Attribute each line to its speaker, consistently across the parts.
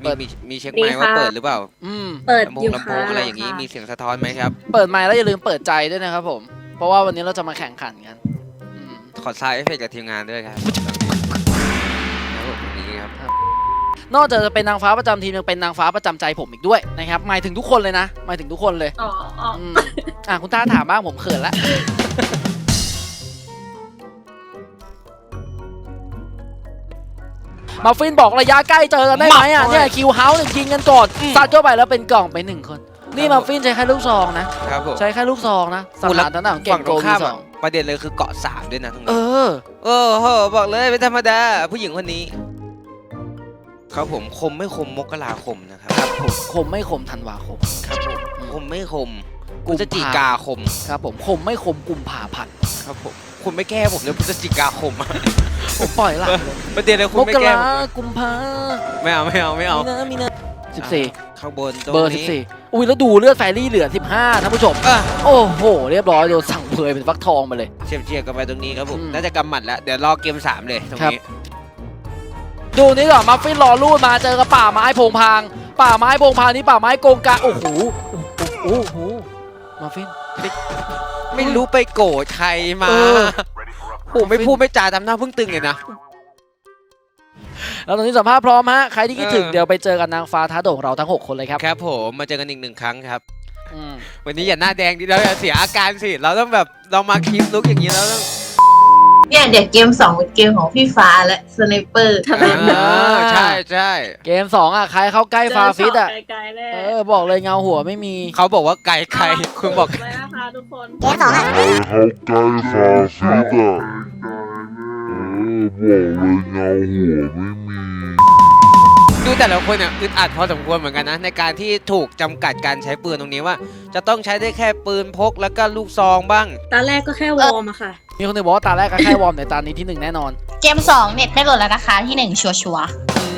Speaker 1: มีเช็คไมค์ว่าเปิดหรือเปล่า
Speaker 2: เปิดอยู่
Speaker 1: ลำโพ
Speaker 2: ค่ะ
Speaker 1: งอะไรอย่างนี้มีเสียงสะท้อนไหมครับ
Speaker 3: เปิดไมค์แล้วอย่าลืมเปิดใจด้วยนะครับผมเพราะว่าวันนี้เราจะมาแข่งขันกัน
Speaker 1: ขอซาวด์เอฟเฟกต์กับทีมงานด้วยครับนี่ครับ
Speaker 3: นอกจากจะเป็นนางฟ้าประจำทีมยังเป็นนางฟ้าประจำใจผมอีกด้วยนะครับหมายถึงทุกคนเลยนะหมายถึงทุกคนเลยคุณต้าถามบ้างผมเขินละมาฟินบอกระยะใกล้เจอกันได้ไหมอ่ะเนี่ยคิวเฮาส์ยิงกันก่อนซัดเข้าไปแล้วเป็นกล่องไป1 คนนี่มาฟินใช้แค่ลูกซองนะครับใช้แค่ลูกซองนะสถานทางของเก่งโกมีสอง
Speaker 1: ประเด็นเลยคือเกาะ3ด้วยนะตรงนี้
Speaker 3: โ
Speaker 1: หบอกเลยไม่ธรรมดาผู้หญิงคนนี้ครับผมคมไม่คมมกราคมนะครับ
Speaker 3: ผมคมไม่คมธันวาคม
Speaker 1: ครับผมคมไม่คมพฤศจิกาคม
Speaker 3: ครับผมคมไม่คมกุมภาพันธ์
Speaker 1: ครับผมคุณไม่แก้ผมเลยพฤศจิกาคม
Speaker 3: ผมปล่อยละ
Speaker 1: ประเด็นเลยคุณไม่แก้
Speaker 3: กุมภา
Speaker 1: ไม่เอา
Speaker 3: มีนะ14
Speaker 1: ข้างบนตรงนี้
Speaker 3: เบอร์14อุ้ยแล้วดูเลือดแฟรี่เหลือ15ท่านผู้ชมโอ้โหเรียบร้อยโดนสั่งเพยเป็นฟักทองมาเลย
Speaker 1: เชียร์กันไปตรงนี้ครับผมน่าจะกำหมัดแล้วเดี๋ยวรอเกม3เลยตรงนี้
Speaker 3: ดูนี่ก่อนมัฟฟินรอรูดมาเจอกับป่าไม้โพงพางนี่ป่าไม้โกงกาโอ้โหมัฟฟิน
Speaker 1: ไม่รู้ไปโกรธใครมาโอ้ไม่พูดไม่จาทำหน้าพึ่งตึงเลยนะ
Speaker 3: แล้วตอนนี้สัมภาษณ์พร้อมฮะใครที่คิดถึงเดี๋ยวไปเจอกันนางฟ้าท้าโด่งเราทั้ง6 คนเลยครับ
Speaker 1: ครับผมมาเจอกันอีก1 ครั้งครับวันนี้อย่าหน้าแดงดิเราอย่าเสียอาการสิเราต้องแบบเรามาคลิปลุกอย่างนี้แล้วต้อง
Speaker 2: เนี่ยเดี๋ยวเกม2เป็นเกมของพี่ฟ้าและสไนเปอร์
Speaker 1: ใช่
Speaker 3: เกม2อ่ะใครเข้าใกล้ฟาฟิตอ่ะบอกเลยเงาหัวไม่มี
Speaker 1: เขาบอกว่าไกลคุณบอก
Speaker 2: ไกลนะคะทุกคน
Speaker 4: เกม2อ่ะ
Speaker 5: เข้าใกล้ฟาฟิตอ่ะบอกเลยเงาหัวไม่มี
Speaker 1: ดูแต่ละคนเนี่ยอึดอัดพอสมควรเหมือนกันนะในการที่ถูกจำกัดการใช้ปืนตรงนี้ว่าจะต้องใช้ได้แค่ปืนพกแล้วก็ลูกซองบ้าง
Speaker 2: ตาแรกก็แค่วอร์มอะค่ะ
Speaker 3: มีคนนึงบอกว่าตาแรกก็แค่วอร์มแต่ตานี้ที่1แน่นอน
Speaker 4: เกม2เน็ตไม่โหลดแล้วนะคะที่1ชัวร์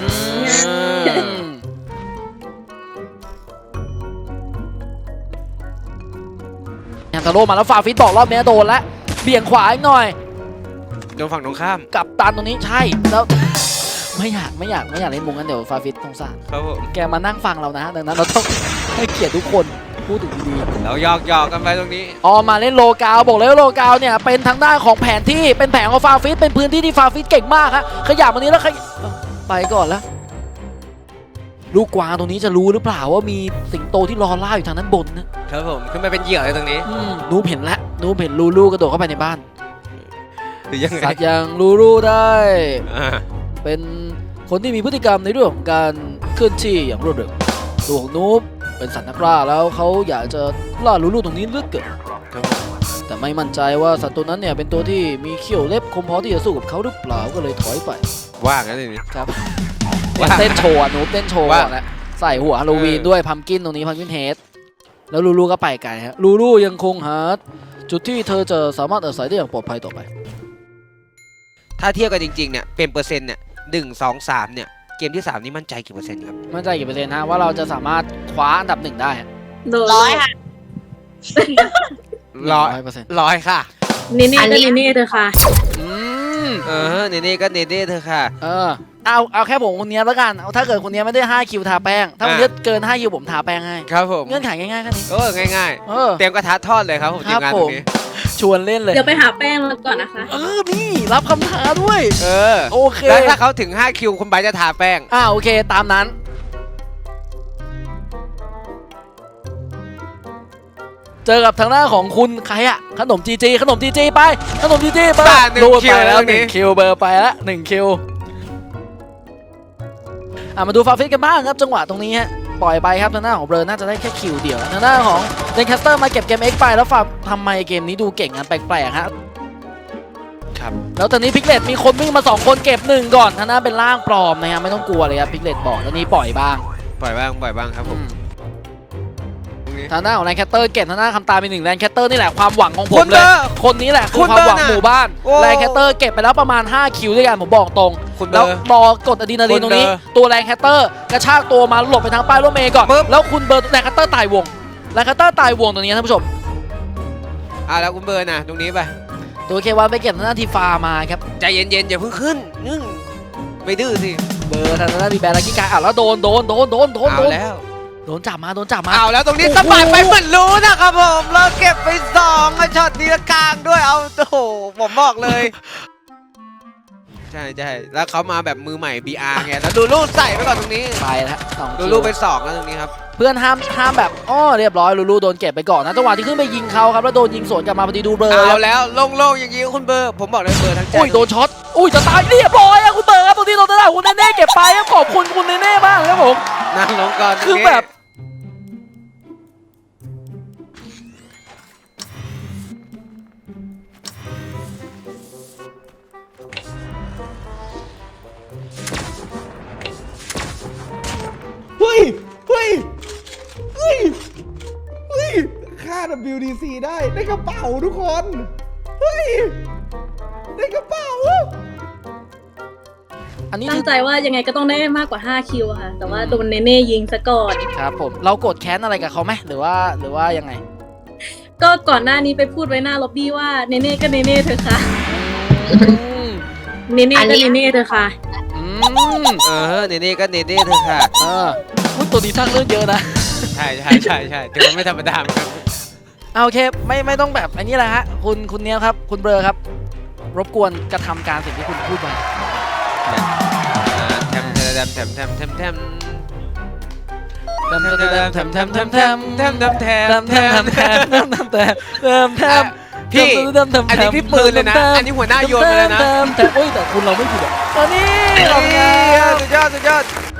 Speaker 3: ยังตะโลมาแล้วฟาฟิตบอกรอบนี้โดนแล้วเบี่ยงขวาอีกหน่อย
Speaker 1: โดนฝั่งตรงข้าม
Speaker 3: กับตันตรงนี้ใช่แล้วไม่อยากเล่นมุงกันเดี๋ยวฟาฟิตสงสาร
Speaker 1: ครับผม
Speaker 3: แกมานั่งฟังเรานะดังนั้นเราต้องให้เกียรติทุกคนพูดถึงดี
Speaker 1: ๆเราหยอกกันไปตรงนี้
Speaker 3: มาเล่นโลกาวบอกเลยว่าโลกาวเนี่ยเป็นทางด้านของแผนที่เป็นแผงของฟาฟิตเป็นพื้นที่ที่ฟาฟิตเก่งมากฮะขยับตรงนี้แล้วไปก่อนแล้วลูกกวางตรงนี้จะรู้หรือเปล่าว่ามีสิงโตที่รอล่าอยู่ทางนั้นบน
Speaker 1: นะครับผมขึ้นมาเป็นเหยื่อเลยตรงนี้
Speaker 3: นูเห็นแล้วนูเห็นลูกระโดดเข้าไปในบ้าน
Speaker 1: หรือยังไง
Speaker 3: สัตว์ยังลูได้เป็นคนที่มีพฤติกรรมในเรื่องของการเคลื่อนที่อย่างรวดเร็วตัวของนูบเป็นสัตว์นักล่าแล้วเขาอยากจะล่าลูตรงนี้เลือกเกิดแต่ไม่มั่นใจว่าสัตว์ตัวนั้นเนี่ยเป็นตัวที่มีเขี้ยวเล็บคมพอที่จะสู้กับเขาหรือเปล่าก็เลยถอยไป
Speaker 1: ว่างั้นเลย
Speaker 3: ครับเต้นโชว์นูบเต้นโชว์ก่อนแล้วใส่หัวฮาโลวีนด้วยพัมกินตรงนี้พัมกินเฮดแล้วลูก็ไปไกลฮะลูยังคงหาจุดที่เธอจะสามารถอาศัยได้อย่างปลอดภัยต่อไป
Speaker 1: ถ้าเทียบกันจริงๆเนี่ยเป็นเปอร์เซ็นต์เนี่ย1 2 3เนี่ยเกมที่3นี่มั่นใจกี่เปอร์เซ็นต์ครับ
Speaker 3: มั่นใจกี่เปอร์เซ็นต์ฮะว่าเราจะสามารถคว้าอันดับ1ได้
Speaker 4: 100ค่ะ
Speaker 1: 100ค่ะ
Speaker 2: นี่ก็นี่เธอค่ะ
Speaker 1: นี่ก็นี่เธอค่ะ
Speaker 3: เอาแค่ผมคนนี้แล้วกันถ้าเกิดคนนี้ไม่ได้5 คิวทาแป้งถ้าคนนี้เกิน5 คิวผมทาแป้งให้
Speaker 1: ครับผม
Speaker 3: เงื่อนไขง่ายๆแค่นี้
Speaker 1: ง่ายๆเตรียมกระทะทอดเลยครับผมทีมงานตรงนี้
Speaker 3: ชวนเล่นเลย
Speaker 2: เดี๋ยวไปหาแป้งมาก่อนนะคะ
Speaker 3: นี่รับคำท้าด้วยโอเค
Speaker 1: แล้วถ้าเขาถึง5 คิวคุณไบจะทาแป้ง
Speaker 3: โอเคตามนั้นเจอกับทางหน้าของคุณใครอะขนมจีไปขนมจีไป
Speaker 1: โดนไปแล้ว
Speaker 3: 1 คิวเบอร์ไปแล้ว1 คิวมาดูฟาฟิตกันบ้างครับจังหวะตรงนี้ฮะปล่อยไปครับทางหน้าของเบอร์น่าจะได้แค่คิวเดียวทางหน้าของเดนแคสเตอร์มาเก็บเกม X ไปแล้วฝากทำไมเกมนี้ดูเก่งกันแปลกๆฮะ
Speaker 1: ครับ
Speaker 3: แล้วตอนนี้พิกเลตมีคนวิ่งมา2 คนเก็บ1ก่อนทางหน้าเป็นร่างปลอมนะครับไม่ต้องกลัวเลยครับพิกเลตบอกแล้วนี่ปล่อยบ้าง
Speaker 1: ครับผม
Speaker 3: ทางหน้าของแลนแคตเตอร์เก็บทางหน้าคำตาเป็น1แลนแคตเตอร์นี่แหละความหวังของผมเลยคนนี้แหละคือความหวังหมู่บ้านแลนแคตเตอร์เก็บไปแล้วประมาณ5 คิวด้วยกันผมบอกตรงแล้วรอกดอะดรีนาลีนตรงนี้ตัวแลนแคตเตอร์กระชากตัวมาหลบไปทางป้ายรถเมย์ก่อนแล้วคุณเบอร์แลนแคตเตอร์ตายวงแลนแคตเตอร์ตายวงตรงนี้ท่านผู้ชม
Speaker 1: แล้วคุณเบอร์นะตรงนี้ไป
Speaker 3: ตัวเควันไปเก็บทางหน้าทีฟามาครับ
Speaker 1: ใจเย็นๆอย่าเพิ่งขึ้นไม่ดื้อสิ
Speaker 3: เบอร์ทางด้านบีแบร์ลักกี้การแล้วโดน
Speaker 1: เอาแล้ว
Speaker 3: โดนจับมา
Speaker 1: เอาแล้วตรงนี้สมัยไปเหมือนรู้นะครับผมเราเก็บไป2ช็อตนี้กลางด้วยเอาโอ้โหผมบอกเลยใช่แล้วเขามาแบบมือใหม่ BR ไงแล้วดูลูกใส่ไปก่อนตรงนี้
Speaker 3: ไปแล้ว2
Speaker 1: ดูลูกไป2แล้วตรงนี้ครับ
Speaker 3: เพื่อนห้ามแบบเรียบร้อยลูโดนเก็บไปก่อนนะจังหวะที่ขึ้นไปยิงเขาครับแล้วโดนยิงสวนกลับมาพอดีดูเบอร์
Speaker 1: เอาแล้วโล่งๆอย่างนี้คุณเบอร์ผมบอกเลยเบอร์ทั้งใจ
Speaker 3: โดนช็อตจะตายเรียบร้อยอะคุณเบอร์ครับตรงที่เราได้คุณเน่เก็บไปครับขอบคุณคุณเน่มากครับผม
Speaker 1: นั่งลงก่อน
Speaker 3: คือแบบ
Speaker 6: ค่า WDC ได้กระเป๋าทุกคนเฮ้ยได้กระเป๋า
Speaker 3: อันนี้
Speaker 7: ตั้งใจว่ายังไงก็ต้องได้มากกว่า5คิวอะค่ะ แต่ว่าโดนเนเน่ยิงซะก่อน
Speaker 3: ครับผมเราโกรธแค้นอะไรกับเขาไหมหรือว่ายังไง
Speaker 7: ก็ก่อนหน้านี้ไปพูดไว้หน้าล็อบบี้ว่าเนเน่ก็เนเน่เธอะค่ะ เนเน่ก็เนเน่เธอะค่ะ
Speaker 1: เนเน่ก็เนเน่เธอค่ะ
Speaker 3: พูดตัวนี้สร้างเรื่องเยอะนะ
Speaker 1: ใช่ถือว่าไม่ธรรมดาเหมือนกัน
Speaker 3: โอเคไม่ต้องแบบอันนี้แหละฮะคุณเนี้ยครับคุณเบลอครับ รบกวนกระทำการสิ่งที่คุณพูดไป
Speaker 1: แทมพี่อันนี้พี่ปืนเลยนะอันนี้หัวหน้าโยนไปเลยนะ
Speaker 3: แต่คุณเราไม่ผิดอ่ะตอนนี้เรา
Speaker 1: สุดยอด